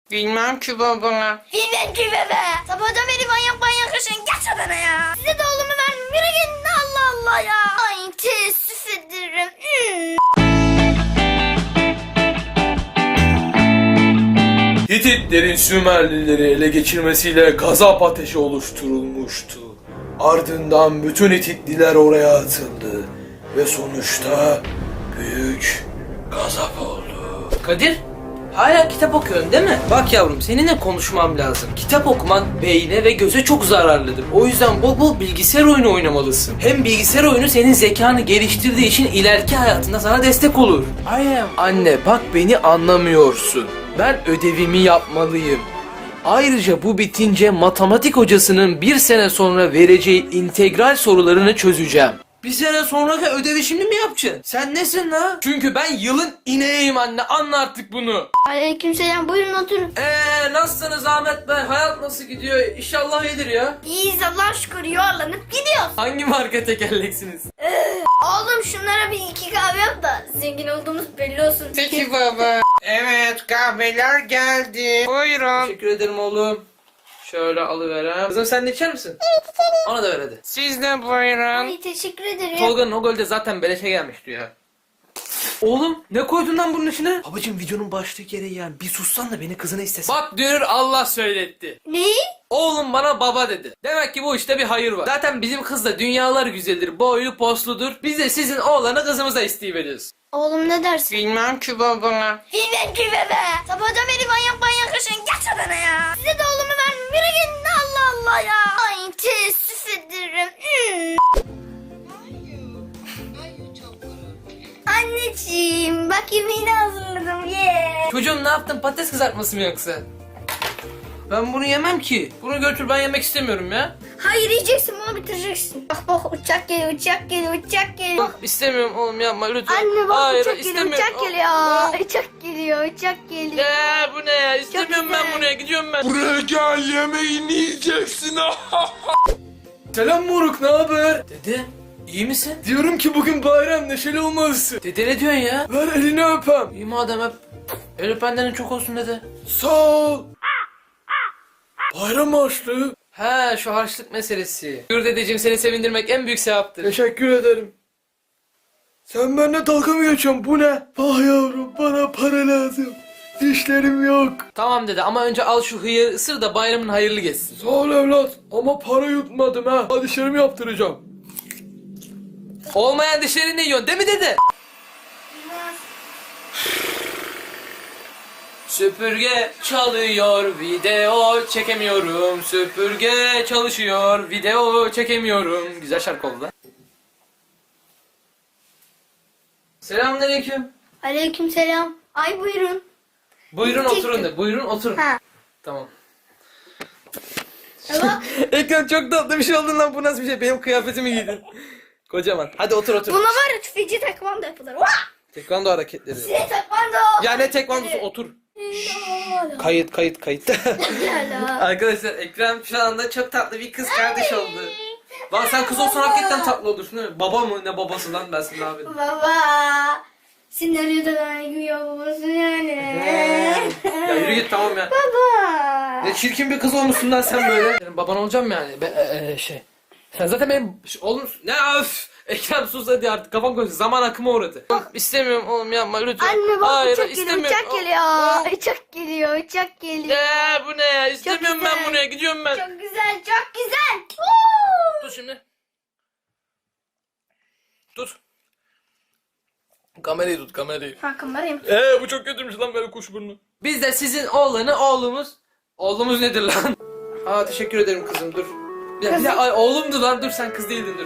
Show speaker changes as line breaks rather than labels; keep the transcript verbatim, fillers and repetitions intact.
Bilmem ki baba.
Bilmem ki bebe. Sabahtan beri manyak manyak yaşayın. Geç odana ya. Size de oğlumu vermem. Yürü gidin Allah Allah ya. Ay teessüf ederim. Hmm.
Hititlerin Sümerlileri ele geçirmesiyle gazap ateşi oluşturulmuştu. Ardından bütün Hititliler oraya atıldı ve sonuçta büyük gazap oldu.
Kadir, hala kitap okuyorsun değil mi? Bak yavrum, seninle konuşmam lazım. Kitap okumak beyne ve göze çok zararlıdır. O yüzden bol bol bilgisayar oyunu oynamalısın. Hem bilgisayar oyunu senin zekanı geliştirdiği için ileriki hayatında sana destek olur. I am. Anne bak, beni anlamıyorsun. Ben ödevimi yapmalıyım. Ayrıca bu bitince matematik hocasının bir sene sonra vereceği integral sorularını çözeceğim. Bir sene sonraki ödevi şimdi mi yapacaksın? Sen nesin la? Çünkü ben yılın ineğiyim anne, anla artık bunu.
Aleykümselam, buyurun oturun.
Eee nasılsınız Ahmet Bey? Hayat nasıl gidiyor? İnşallah iyidir ya.
İyiyiz Allah'a şükür, yuvarlanıp gidiyoruz.
Hangi marka tekerleksiniz?
Oğlum şunlara bir iki kahve yap da zengin olduğumuz belli olsun.
Peki baba. Evet, kahveler geldi. Buyurun.
Teşekkür ederim oğlum. Şöyle alıverem. Kızım sen de içer misin? Evet içerim. Ona da ver hadi.
Siz de buyurun.
Ay teşekkür ederim.
Tolga'nın o golde zaten beleşe gelmişti ya. Oğlum ne koydun lan bunun içine? Babacım videonun başlığı gereği yani. Bir sussan da beni kızına istesin. Bak diyor, Allah söyletti.
Neyi?
Oğlum bana baba dedi. Demek ki bu işte bir hayır var. Zaten bizim kız da dünyalar güzeldir, boylu posludur. Biz de sizin oğlanı kızımıza isteyiveriyoruz.
Oğlum ne dersin?
Bilmem ki baba.
Bilmem ki bebe. Sabahtan beri manyak manyak yaşayın. Geç odana ya. Size de oğlumu vermem. Yürü gidin Allah Allah ya. Ay teessüf ederim. Hmm. Anneciğim bak yemeğini hazırladım. Yeah.
Çocuğum ne yaptın? Patates kızartması mı yoksa? Ben bunu yemem ki. Bunu götür, ben yemek istemiyorum ya.
Hayır yiyeceksin, bunu bitireceksin. Bak bak uçak geliyor, uçak geliyor, uçak geliyor.
Bak istemiyorum oğlum, yapma lütfen.
Anne bak
Hayır,
uçak geliyor,
istemiyorum.
uçak geliyor. Uçak geliyor, uçak geliyor.
Ya bu ne ya? İstemiyorum ben
güzel.
bunu, gidiyorum ben.
Buraya gel, yemeğini yiyeceksin.
Selam moruk, ne haber? Dede, iyi misin?
Diyorum ki bugün bayram, neşeli olmalısın.
Dede ne diyorsun ya?
Ver elini öpem.
İyi madem hep. El öpenlerin çok olsun dede.
Sağ ol. Bayram harçlığı.
He, şu harçlık meselesi. Buyur dedeciğim, seni sevindirmek en büyük sevaptır.
Teşekkür ederim. Sen benimle dalga mı geçiyorsun? Bu ne? Ah yavrum, bana para lazım. Dişlerim yok.
Tamam dede, ama önce al şu hıyarı ısır da bayramın hayırlı geçsin.
Sağ ol evlat ama para yutmadım ha. Hadi dişlerimi yaptıracağım.
Olmayan dişlerini yiyorsun değil mi dede? Süpürge çalıyor, video çekemiyorum. Süpürge çalışıyor, video çekemiyorum. Güzel şarkı oldu lan. Selamünaleyküm.
Aleykümselam. Ay buyurun.
Buyurun oturun de, buyurun oturun.
Ha.
Tamam.
Bak
Ekran çok tatlı bir şey oldun lan, bu nasıl bir şey? Benim kıyafetimi giydin. Kocaman. Hadi otur otur.
buna var ya tüfeci tekvando yapılır. Vah!
Tekvando hareketleri.
Size tekvando.
Ya ne tekvandosu, otur. Kayıt kayıt kayıt. Arkadaşlar Ekrem şu anda çok tatlı bir kız kardeş oldu. Lan sen kız olsan hakikaten tatlı olursun değil mi? Baba mı, ne babası lan, ben sana abi.
Baba. Senaryoda aynı babası yani.
Ya yürü git tamam ya.
Baba.
Ne çirkin bir kız olmuşsun lan sen böyle. Senin baban olacağım yani. Ben, e, e, şey. Sen zaten benim oğlum. Ne öf. Ekrem sus hadi artık, kafam koysun. Zaman akıma uğradı. İstemiyorum oğlum, yapma lütfen.
Anne bak
Hayır,
uçak geliyor,
istemiyorum.
uçak geliyor. Uçak geliyor, uçak geliyor.
Ya bu ne ya? İstemiyorum ben
güzel.
buraya, gidiyorum ben.
Çok güzel, çok güzel.
Dur şimdi. Tut. Kamerayı tut, kamerayı.
Ha kamerayım.
Eee bu çok kötüymüş lan, böyle kuş burnu.
Biz de sizin oğlanı oğlumuz. Oğlumuz nedir lan? Aa teşekkür ederim kızım, dur. Ya, bir de, ay, oğlumdu lan, dur sen kız değildin, dur.